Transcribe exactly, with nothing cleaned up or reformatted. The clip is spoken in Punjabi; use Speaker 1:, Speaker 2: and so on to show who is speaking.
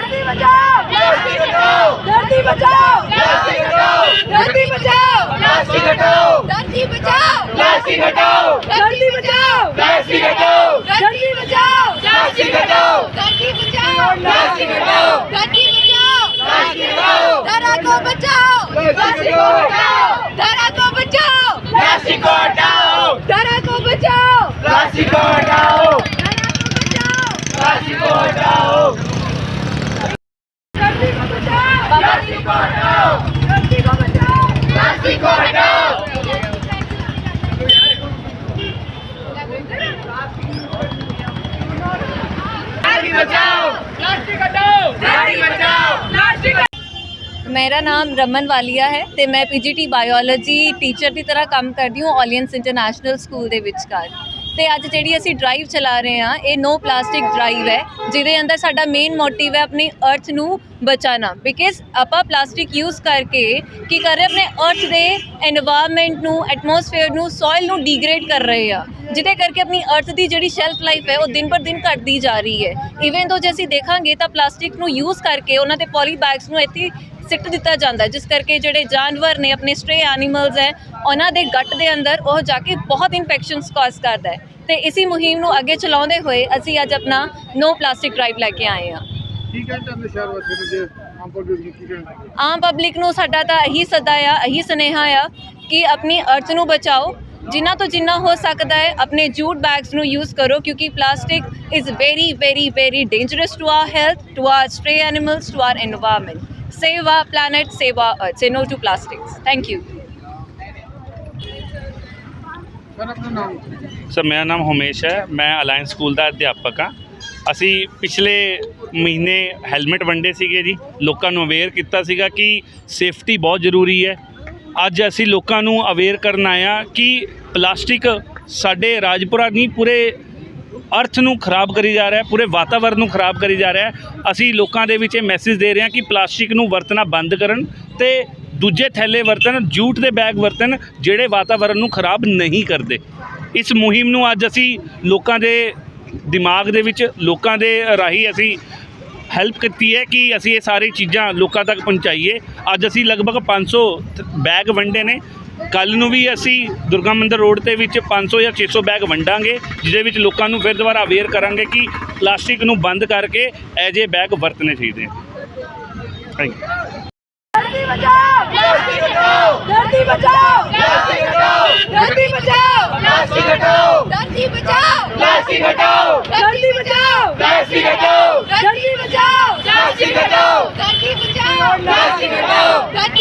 Speaker 1: धरती बचाओ प्लास्टिक हटाओ धरती बचाओ प्लास्टिक हटाओ धरती बचाओ प्लास्टिक हटाओ धरती बचाओ प्लास्टिक हटाओ धरती बचाओ प्लास्टिक हटाओ धरती बचाओ प्लास्टिक हटाओ धरती बचाओ प्लास्टिक हटाओ धरती बचाओ प्लास्टिक हटाओ धरा को बचाओ प्लास्टिक को हटाओ धरा को बचाओ प्लास्टिक को हटाओ धरा को बचाओ प्लास्टिक को हटाओ प्लास्टिक को हटाओ धरती को बचाओ प्लास्टिक को हटाओ धरती को बचाओ प्लास्टिक को हटाओ प्लास्टिक बचाओ प्लास्टिक हटाओ धरती बचाओ प्लास्टिक।
Speaker 2: मेरा नाम रमन वालिया है ਤੇ ਮੈਂ ਪੀਜੀਟੀ ਬਾਇਓਲੋਜੀ ਟੀਚਰ ਦੀ ਤਰ੍ਹਾਂ ਕੰਮ ਕਰਦੀ ਹਾਂ ਆਲੀਅੰਸ ਇੰਟਰਨੈਸ਼ਨਲ ਸਕੂਲ ਦੇ ਵਿਚਕਾਰ। ਤੇ ਅੱਜ ਜਿਹੜੀ ਅਸੀਂ ਡਰਾਈਵ ਚਲਾ ਰਹੇ ਹਾਂ ਇਹ ਨੋ ਪਲਾਸਟਿਕ ਡਰਾਈਵ ਹੈ ਜਿਹਦੇ ਅੰਦਰ ਸਾਡਾ ਮੇਨ ਮੋਟਿਵ ਹੈ ਆਪਣੀ ਅਰਥ ਨੂੰ ਬਚਾਉਣਾ। ਬਿਕਾਜ਼ ਆਪਾਂ ਪਲਾਸਟਿਕ ਯੂਜ਼ ਕਰਕੇ ਕੀ ਕਰ ਰਹੇ ਆਪਣੇ ਅਰਥ ਦੇ এনवायरमेंट ਨੂੰ ਐਟਮੋਸਫੇਅਰ ਨੂੰ ਸੋਇਲ ਨੂੰ ਡੀਗ੍ਰੇਡ ਕਰ ਰਹੇ ਆ ਜਿਹਦੇ ਕਰਕੇ ਆਪਣੀ ਅਰਥ ਦੀ ਜਿਹੜੀ ਸ਼ੈਲਫ ਲਾਈਫ ਹੈ ਉਹ ਦਿਨ ਪਰ ਦਿਨ ਘਟਦੀ ਜਾ ਰਹੀ ਹੈ। ਇਵਨ ਤੋਂ ਜੇ ਅਸੀਂ ਦੇਖਾਂਗੇ ਤਾਂ ਪਲਾਸਟਿਕ ਨੂੰ ਯੂਜ਼ ਕਰਕੇ ਉਹਨਾਂ ਦੇ ਪੋਲੀ ਬੈਗਸ ਨੂੰ ਇੱਥੇ ਸਿੱਟ ਦਿੱਤਾ ਜਾਂਦਾ ਜਿਸ ਕਰਕੇ ਜਿਹੜੇ ਜਾਨਵਰ ਨੇ ਆਪਣੇ ਸਟਰੇ ਐਨੀਮਲਸ ਹੈ ਉਹਨਾਂ ਦੇ ਗੱਟ ਦੇ ਅੰਦਰ ਉਹ ਜਾ ਕੇ ਬਹੁਤ ਇਨਫੈਕਸ਼ਨਸ ਕਾਜ਼ ਕਰਦਾ ਹੈ। ਤੇ ਇसी ਮੁਹਿੰਮ ਨੂੰ ਅੱਗੇ ਚਲਾਉਂਦੇ ਹੋਏ ਅਸੀਂ ਅੱਜ ਆਪਣਾ ਨੋ ਪਲਾਸਟਿਕ ਡਰਾਈਵ ਲੈ ਕੇ ਆਏ ਹਾਂ। ਆਮ ਪਬਲਿਕ ਨੂੰ ਸਾਡਾ ਤਾਂ ਇਹੀ ਸੱਦਾ ਆ ਇਹੀ ਸੁਨੇਹਾ ਆ ਕਿ ਆਪਣੀ ਅਰਥ ਨੂੰ ਬਚਾਓ ਜਿੰਨਾ ਤੋਂ ਜਿੰਨਾ ਹੋ ਸਕਦਾ ਹੈ ਆਪਣੇ ਜੂਟ ਬੈਗਸ ਨੂੰ ਯੂਜ਼ ਕਰੋ ਕਿਉਂਕਿ plastic is very very very dangerous to our health to our stray animals to our environment. Save our planet, save our earth. Say no to plastics. Thank you.
Speaker 3: Sir ਮੇਰਾ ਨਾਮ ਹਮੇਸ਼ ਹੈ, ਮੈਂ ਅਲਾਇੰਸ ਸਕੂਲ ਦਾ ਅਧਿਆਪਕ ਹਾਂ। ਅਸੀਂ ਪਿਛਲੇ ਮਹੀਨੇ ਹੈਲਮਟ ਵੰਡੇ ਸੀਗੇ ਜੀ, ਲੋਕਾਂ ਨੂੰ ਅਵੇਅਰ ਕੀਤਾ ਸੀਗਾ ਕਿ ਸੇਫਟੀ ਬਹੁਤ ਜ਼ਰੂਰੀ ਹੈ। ਅੱਜ ਅਸੀਂ ਲੋਕਾਂ ਨੂੰ ਅਵੇਅਰ ਕਰਨ ਆਏ ਹਾਂ ਕਿ ਪਲਾਸਟਿਕ ਸਾਡੇ ਰਾਜਪੁਰਾ ਨਹੀਂ ਪੂਰੇ ਅਰਥ ਨੂੰ ਖਰਾਬ ਕਰੀ ਜਾ ਰਿਹਾ, ਪੂਰੇ ਵਾਤਾਵਰਨ ਨੂੰ ਖਰਾਬ ਕਰੀ ਜਾ ਰਿਹਾ। ਅਸੀਂ ਲੋਕਾਂ ਦੇ ਵਿੱਚ ਇਹ ਮੈਸੇਜ ਦੇ ਰਹੇ ਹਾਂ ਕਿ ਪਲਾਸਟਿਕ ਨੂੰ ਵਰਤਣਾ ਬੰਦ ਕਰਨ ਤੇ ਦੂਜੇ ਥੈਲੇ ਵਰਤਣ, ਜੂਟ ਦੇ ਬੈਗ ਵਰਤਣ ਜਿਹੜੇ ਵਾਤਾਵਰਨ ਨੂੰ ਖਰਾਬ ਨਹੀਂ ਕਰਦੇ। ਇਸ ਮੁਹਿੰਮ ਨੂੰ ਅੱਜ ਅਸੀਂ ਲੋਕਾਂ ਦੇ ਦਿਮਾਗ ਦੇ ਵਿੱਚ ਲੋਕਾਂ ਦੇ ਰਾਹੀਂ ਅਸੀਂ ਹੈਲਪ ਕੀਤੀ ਹੈ ਕਿ ਅਸੀਂ ਇਹ ਸਾਰੀ ਚੀਜ਼ਾਂ ਲੋਕਾਂ ਤੱਕ ਪਹੁੰਚਾਈਏ। ਅੱਜ ਅਸੀਂ ਲਗਭਗ ਪੰਜ ਸੌ ਬੈਗ ਵੰਡੇ ਨੇ। ਕੱਲ੍ਹ ਨੂੰ ਵੀ ਅਸੀਂ ਦੁਰਗਾ ਮੰਦਰ ਰੋਡ ਦੇ ਵਿੱਚ ਪੰਜ ਸੌ ਜਾਂ ਛੇ ਸੌ ਬੈਗ ਵੰਡਾਂਗੇ ਜਿਹਦੇ ਵਿੱਚ ਲੋਕਾਂ ਨੂੰ ਫਿਰ ਦੁਬਾਰਾ ਅਵੇਅਰ ਕਰਾਂਗੇ ਕਿ ਪਲਾਸਟਿਕ ਨੂੰ ਬੰਦ ਕਰਕੇ ਇਹ ਜਿਹੇ ਬੈਗ ਵਰਤਣੇ ਚਾਹੀਦੇ। Thank you.
Speaker 1: धरती बचाओ प्लास्टिक हटाओ धरती बचाओ प्लास्टिक हटाओ धरती बचाओ प्लास्टिक हटाओ धरती बचाओ प्लास्टिक हटाओ धरती बचाओ प्लास्टिक हटाओ धरती बचाओ प्लास्टिक हटाओ धरती बचाओ प्लास्टिक हटाओ